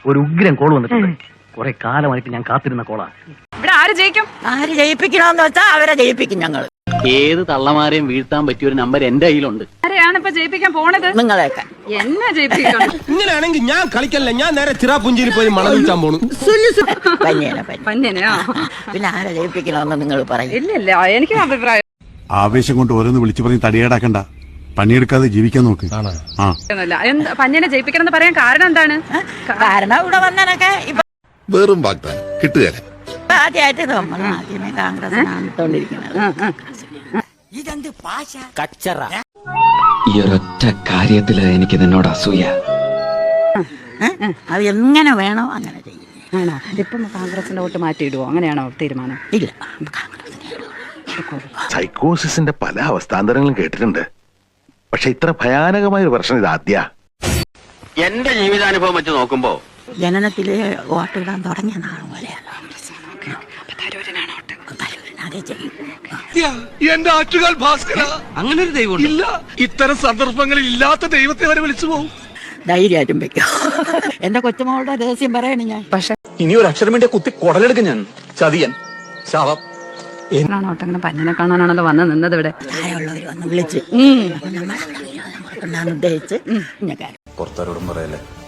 ഒരു ഉഗ്രൻ കോൾ വന്നിട്ടുണ്ട്. കുറെ കാലമായിട്ട് ഞാൻ കാത്തിരുന്ന കോളാ. ഇവിടെ ആര് ജയിക്കും? ആര് ജയിപ്പിക്കണമെന്ന് വെച്ചാൽ അവരെ ജയിപ്പിക്കും ഞങ്ങൾ. ഏത് തള്ളമാരെയും വീഴ്ത്താൻ പറ്റിയ ഒരു നമ്പർ എന്റെ കയ്യിലുണ്ട്. ആരെയാണ് ഇപ്പൊ ജയിപ്പിക്കാൻ പോണത്? നിങ്ങളെയൊക്കെ എന്നെ ജയിപ്പിക്കണം. ഇങ്ങനെയാണെങ്കിൽ ഞാൻ കളിക്കല്ല, ഞാൻ നേരെ ചിറാപുഞ്ചിയിൽ പോയി മണം വിൽക്കാൻ പോണു. പന്യനെയോ? പിന്നെ ആരെ ജയിപ്പിക്കണമെന്ന് നിങ്ങൾ പറയും. ഇല്ല എനിക്ക് അഭിപ്രായം ആവേശം കൊണ്ട് ഓരോന്ന് വിളിച്ചു പറഞ്ഞ് തടിയേടാക്കണ്ട, പണിയെടുക്കാതെ ജീവിക്കാൻ നോക്ക്. പന്യനെ ജയിപ്പിക്കണം എന്ന് പറയാൻ കാരണം എന്താണ്? കാരണം ഇവിടെ വന്നനൊക്കെ ഇപ്പൊ വെറും വാഗ്ദാനം കിട്ടുകയല്ല. ആദ്യമായിട്ട് നമ്മൾ ആദ്യമേ കോൺഗ്രസിനാണ് ഇട്ടോണ്ടിരിക്കുന്നത്. ഇതെന്ത് ഭാഷ കച്ചറ. ഈ ഒരൊറ്റ കാര്യത്തില് എനിക്ക് നിന്നോട് അസൂയ. അത് എങ്ങനെ വേണോ അങ്ങനെ ചെയ്യും. ആണോ? ഇപ്പം കോൺഗ്രസിന്റെ വോട്ട് മാറ്റിയിടുവോ? അങ്ങനെയാണോ തീരുമാനം? ഇല്ല, സൈക്കോസിന്റെ പല അവസ്ഥാന്തരങ്ങളും കേട്ടിട്ടുണ്ട്. പക്ഷെ ഇത്ര ഭയാനകമായ ഒരു പ്രശ്നം ഇത് ആദ്യ. എന്റെ ജീവിതാനുഭവം വെച്ച് നോക്കുമ്പോ ജനനത്തിലെ വോട്ടിടാൻ തുടങ്ങിയ നാൾ പോലെയാണ്. എന്റെ ആറ്റുകാൽ ഭാസ്കര, അങ്ങനെ ഒരു ദൈവം ഇല്ല. ഇത്തരം സന്ദർഭങ്ങളിൽ ഇല്ലാത്ത ദൈവത്തെ വരെ വിളിച്ചു പോകും. ധൈര്യമായിട്ടും വെക്കും. എന്റെ കൊച്ചുമകളുടെ രഹസ്യം പറയണേ ഞാൻ. പക്ഷെ ഇനി ഒരു അക്ഷരം വേണ്ടി കുത്തി കുടലെടുക്കും ഞാൻ. ചതിയൻ ശാപം. അങ്ങനെ പന്യനെ കാണാനാണല്ലോ വന്ന് നിന്നത് ഇവിടെ. പ്രായമുള്ളവർ വന്ന് വിളിച്ച് ഉദ്ദേശിച്ച് പുറത്താരോടും പറയല്ലേ.